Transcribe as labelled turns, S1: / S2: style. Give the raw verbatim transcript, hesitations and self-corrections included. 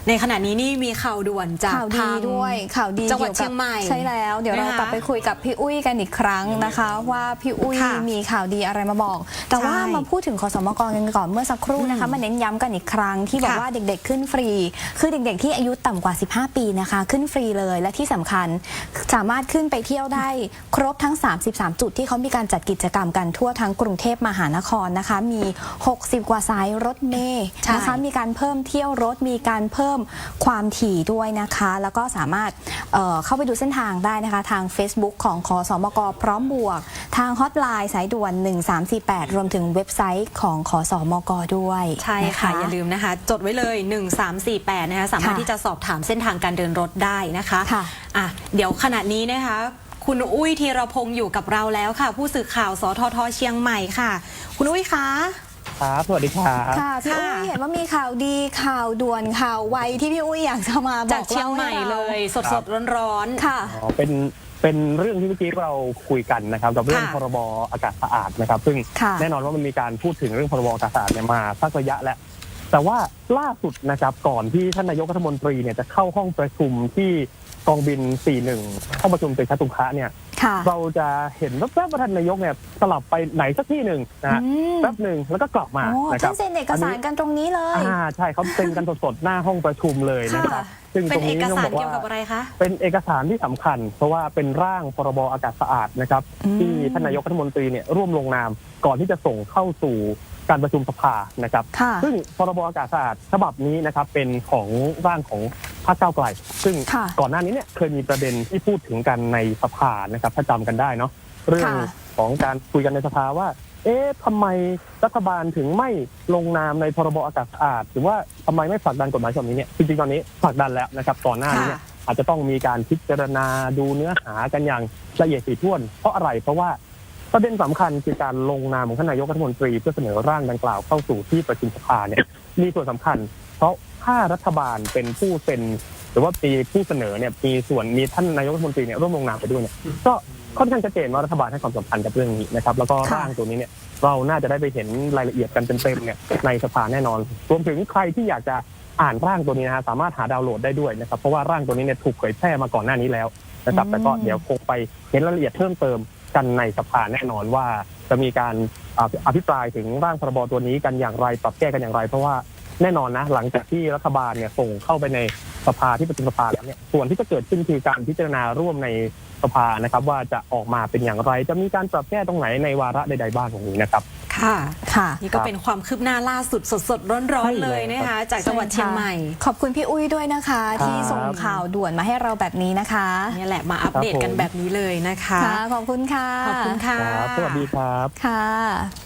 S1: ในขณะนี้นี่มีข่าวด่วนจาก
S2: ข่าวดีด้วยข่าวดี
S1: จังหวัดเชียงใหม่
S2: ใช่แล้วเดี๋ยวเรากลับไปคุยกับพี่อุ้ยกันอีกครั้งนะคะ ว่าพี่อุ้ยมีข่าวดีอะไรมาบอกแต่ว่ามาพูดถึงขสมกกันก่อนเมื่อสักครู่นะคะมาเน้นย้ำกันอีกครั้งที่บอกว่าเด็กๆขึ้นฟรีคือเด็กๆที่อายุต่ำกว่าสิบห้าปีนะคะขึ้นฟรีเลยและที่สำคัญสามารถขึ้นไปเที่ยวได้ครบทั้งสามสิบสามจุดที่เขามีการจัดกิจกรรมกันทั่วทั้งกรุงเทพมหานครนะคะมีหกสิบกว่าสายรถเมล์นะคะมีการเพิ่มเที่ยวรถมีการเพิ่มความถี่ด้วยนะคะแล้วก็สามารถ เอ่อ เข้าไปดูเส้นทางได้นะคะทาง Facebook ของขสมกพร้อมบวกทางฮอตไลน์สายด่วนหนึ่งสามสี่แปดรวมถึงเว็บไซต์ของขสมกด้วย
S1: ใช่ค่ะอย่าลืมนะคะจดไว้เลยหนึ่งสามสี่แปดนะคะสามารถที่จะสอบถามเส้นทางการเดินรถได้นะคะค่ะอ่ะเดี๋ยวขณะนี้นะคะคุณอุ้ยธีรพงศ์อยู่กับเราแล้วค่ะผู้สื่อข่าวสททเชียงใหม่ค่ะคุณอุ้ยคะ
S3: ครับสวัสดีครับ
S2: ค่ะพี่อุ้ยเห็นว่ามีข่าวดีข่าวด่วนข่าวไวที่พี่อุ้ยอยากจะมาบอก
S1: จากเชียงใหม่เลยสดสดร้อน
S2: ๆค่ะ
S3: อ๋อเป็นเป็นเรื่องที่เมื่อกี้เราคุยกันนะครับกับเรื่องพรบอากาศสะอาดนะครับซึ่งแน่นอนว่ามันมีการพูดถึงเรื่องพรบอากาศสะอาดเนี่ยมาสักระยะแล้วแต่ว่าล่าสุดนะครับก่อนที่ท่านนายกรัฐมนตรีเนี่ยจะเข้าห้องประชุมที่กองบินสี่สิบเอ็ดห้องประชุมตึกชตุงคะเนี่ยเราจะเห็นแวบๆว่าท่านนายกเนี่ยสลับไปไหนสักที่หนึ่งนะแป๊บหนึ่งแล้วก็กลับมา
S2: นะครับท่านเซ็นเอกสารกันตรงนี้เลย
S3: อ่าใช่เขาเซ็นกันสดๆหน้าห้องประชุมเลยนะครับ
S1: ซึ่งตรงนี้ต้องบอกว่า
S3: เป็นเอกสารที่สำคัญเพราะว่าเป็นร่างพรบอากาศสะอาดนะครับที่ท่านนายกรัฐมนตรีเนี่ยร่วมลงนามก่อนที่จะส่งเข้าสู่การประชุมสภานะครับซึ่งพรบอากาศสะอาดฉบับนี้นะครับเป็นของร่างของพรรคก้าวไกลซึ่งก่อนหน้านี้เนี่ยเคยมีประเด็นที่พูดถึงกันในสภานะครับถ้าจำกันได้เนาะเรื่องของการคุยกันในสภาว่าเอ๊ะทำไมรัฐบาลถึงไม่ลงนามในพรบอากาศสะอาดหรือว่าทำไมไม่ผลักดันกฎหมายฉบับนี้เนี่ยจริงๆตอนนี้ผลักดันแล้วนะครับก่อนหน้านี้เนี่ยอาจจะต้องมีการพิจารณาดูเนื้อหากันอย่างละเอียดถี่ถ้วนเพราะอะไรเพราะว่าประเด็นสำคัญคือการลงนามของท่านนายกรัฐมนตรีเพื่อเสนอร่างดังกล่าวเข้าสู่ที่ประชุมสภาเนี่ยมีส่วนสำคัญเพราะถ้ารัฐบาลเป็นผู้เซ็นหรือว่าปีผู้เสนอเนี่ยมีส่วนมีท่านนายกรัฐมนตรีเนี่ยร่วมลงนามไปด้วยเนี่ยก็ค่อนข้างชัดเจนว่ารัฐบาลให้ความสำคัญกับเรื่องนี้นะครับแล้วก็ร่างตัวนี้เนี่ยเราน่าจะได้ไปเห็นรายละเอียดกันเต็มๆเนี่ยในสภาแน่นอนรวมถึงใครที่อยากจะอ่านร่างตัวนี้นะฮะสามารถหาดาวน์โหลดได้ด้วยนะครับเพราะว่าร่างตัวนี้เนี่ยถูกเผยแพร่มาก่อนหน้านี้แล้วนะครับแต่ก็เดี๋ยวคงไปเห็นรายละเอียดเพิ่มเติมกันในสภาแน่นอนว่าจะมีการอภิปรายถึงร่างพรบตัวนี้กันอย่างไรปรับแก้กันอย่างไรเพราะว่าแน่นอนนะหลังจากที่รัฐบาลเนี่ยส่งเข้าไปในสภาที่ประชุมสภาแล้วเนี่ยส่วนที่จะเกิดขึ้นคือการพิจารณาร่วมในสภานะครับว่าจะออกมาเป็นอย่างไรจะมีการปรับแก้ตรงไหนในวาระใดๆบ้างตรงนี้นะครับ
S1: ค่ะค่ะนี่ก็เป็นความคืบหน้าล่าสุดสดๆร้อนๆเลยนะคะจากจังหวัดเชียงใหม่
S2: ขอบคุณพี่อุ้ยด้วยนะคะที่ส่งข่าวด่วนมาให้เราแบบนี้นะคะ
S1: นี่แหละมาอัปเดตกันแบบนี้เลยนะคะ
S2: ขอบคุณค่ะ
S1: ขอบคุณค่ะ
S3: สวัสดีครับ
S2: ค่ะ